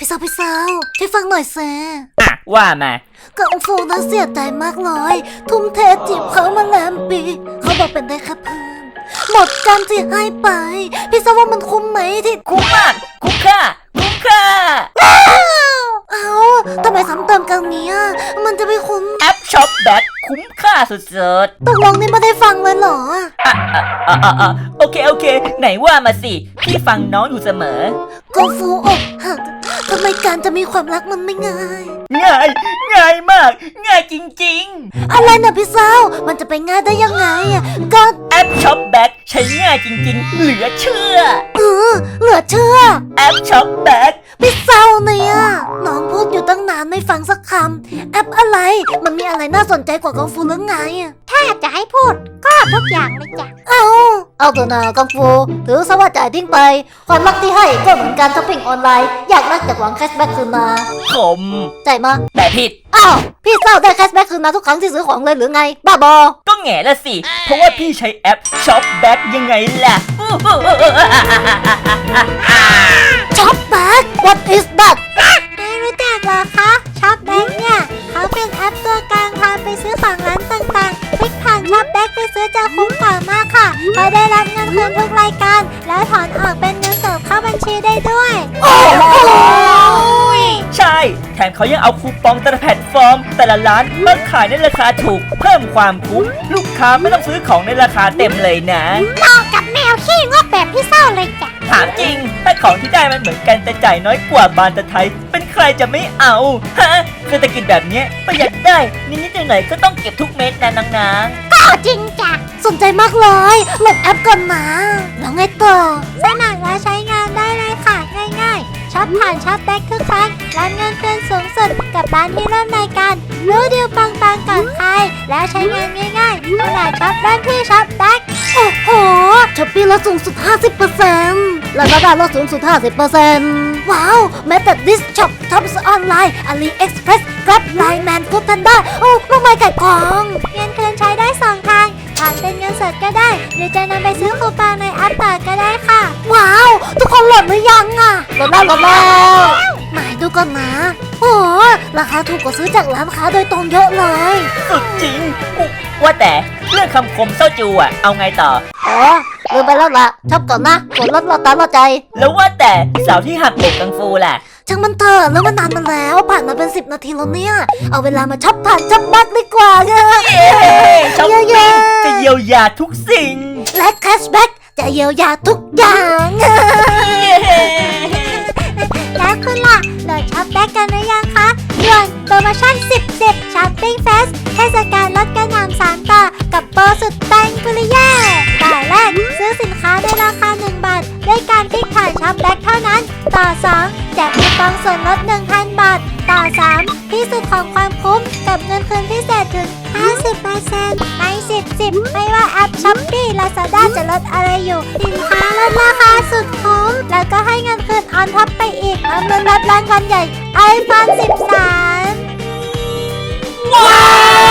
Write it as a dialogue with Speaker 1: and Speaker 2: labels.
Speaker 1: สาวช่วยฟังหน่อยแซ่
Speaker 2: ว่ามา
Speaker 1: กังฟูน่าเสียใจมากเลยทุ่มเทจีบเขามาแลมปีเขาบอกเป็นได้แค่เพื่อนหมดกันที่ให้ไปพี่ทราบว่ามันคุ้มไหมที่
Speaker 2: คุ้มมากคุ้มค่า
Speaker 1: เอาทำไมซ้ำเติมกันเนี้ยมันจะไม่คุ้ม
Speaker 2: แอปช็อปแบ็คคุ้มค่าสุด
Speaker 1: ๆตกลงนี่ไม่ได้ฟังเลยเหรอ
Speaker 2: โอเคไหนว่ามาสิพี่ฟังน้องอยู่เสมอ
Speaker 1: กังฟูอกหักทำไมการจะมีความรักมันไม่ง่าย
Speaker 2: ง่ายมากง่ายจริง
Speaker 1: ๆอะไรนะพี่สาวมันจะไปง่ายได้ยังไงก็
Speaker 2: แอปช็อปแบ็คใช้ง่ายจริงๆเหลือเชื่อ
Speaker 1: เหลือเชื่อ
Speaker 2: แอปช็อปแบ็ค
Speaker 1: พี่สาวเนี่ยน้องพูดอยู่ตั้งนานไม่ฟังสักคำแอปอะไรมันมีอะไรน่าสนใจกว่ากังฟูหรือไง
Speaker 3: ถ้าจะให้พูดก็ทุกอย่างเลยจ้ะ
Speaker 1: เอาตัวนากังฟูถือซะว่าจ่ายทิ้งไปความรักที่ให้ก็เหมือนการช้อปปิ้งออนไลน์อยากได้จากหวังแคชแบ็กคืนมา
Speaker 2: ผม
Speaker 1: จ่ายมา
Speaker 2: แต่ผิด
Speaker 1: พี่เศร้าได้แคชแบ็กคืนมาทุกครั้งที่ซื้อของเลยหรือไงบ้าบอก
Speaker 2: ็แง่ละสิเพราะว่าพี่ใช้แอปช็อปแบ็กยังไงล่ะ
Speaker 1: ช็อปแบ็ก What is that
Speaker 3: ไม่รู้จักเหรอคะช็อปแบ็กเนี่ยเขาเป็นแอปตัวกลางพาไปซื้อของร้านต่างๆคลิกผ่านช็อปแบ็กไปซื้อจะคุ้มกว่ามากค่ะเพราะได้รับเงินคืนทุกรายการแล้วถอนออกเป็นเงินสดเข้าบัญชีได้ด้วย
Speaker 2: ใช่แถมเขายังเอาคูปองแต่ละแพลตฟอร์มแต่ละร้านมาขายในราคาถูกเพิ่มความคุ้มลูกค้าไม่ต้องซื้อของในราคาเต็มเลยนะ
Speaker 3: เหมาะกับแมวขี้งกแบบพี่เศร้าเลยจ้ะ
Speaker 2: ถามจริงถ้าของที่ได้มันเหมือนกันแต่จ่ายน้อยกว่าบานตะไทยเป็นใครจะไม่เอาฮะเศรษฐกิจแบบนี้ประหยัดได้นิดๆหน่อยๆก็ต้องเก็บทุกเม็ดนะนาง
Speaker 3: ๆก็จริงจ้ะ
Speaker 1: สนใจมากเลยโหลดแอปก่อนนะแล้วไงต่อ
Speaker 3: สมัครและใช้งานได้เลยค่ะง่ายๆช็อปผ่านช็อปแบ็คทุกครั้งรับเงินเดือนสูงสุดกับร้านที่ร่วมรายการรู้ดีลปังก่อนใครและใช้งานง่ายๆขนาดช็อปร้านที่ช็อปแบ็ค
Speaker 1: โอ้โหช้อปปี้ลดสูงสุด 50% แล้วก็ได้ลดสูงสุด 50% ว้าวแม้แต่ This Shop Tops Online AliExpress Grab Line Man Food Panda โอ้มากมายไก่กอง
Speaker 3: เงินคืนใช้ได้2 ทางผ่านเป็นเงินสดก็ได้หรือจะนำไปซื้อคูปองในแอปต่อก็ได้ค่ะ
Speaker 1: ว้าวทุกคนโหลดหรือยังโหลดแล้วหมายดูก่อนนะโอ้ราคาถูกกว่าซื้อจากร้านค้าโดยตรงเยอะเลย
Speaker 2: สุดจริงว่าแต่เรื่องคำคมเศร้าจูเอาไงต่อ
Speaker 1: ลืมไปแล้วล่ะชอบก่อนนะกดลดเราตามเราใจ
Speaker 2: แล้วว่าแต่สาวที่หักอกกังฟูล่ะ
Speaker 1: ช่างมันเถอะแล้วมันนานมาแล้วผ่านมาเป็น10 นาทีแล้วเนี่ยเอาเวลามาช็อปผ่านช็อปแบ็คดีกว่า
Speaker 2: ช็อปปิ้งจะเยียวยาทุกสิ่ง
Speaker 1: และแคชแบ็คจะเยียวยาทุกอย่าง
Speaker 3: แล้วคุณล่ะโหลดช็อปแบ็คกันหรือยังคะด่วนโปรโมชั่น10ช้อปปิ้งเฟสเทศกาลลดกระหน่ำ3 ต่อกับโปรสุดแตงกุลิเย่ต่อแรกซื้อสินค้าได้ราคา1 บาทด้วยการคลิกผ่านช็อปแบ็คเท่านั้นต่อ2แจกคูปองส่วนลด 1,000 บาทต่อ3ที่สุดของความคุ้มกับเงินคืนพิเศษถึง 50% ใน10ไม่ว่าแอปช้อปปี้ Lazada จะลดอะไรอยู่สินค้าลดราคาสุดคุ้มแล้วก็ให้เงินคืนออนท็อปไปอีกพร้อมลุ้นรับรางวัลใหญ่ iPhone 13
Speaker 2: ว้าว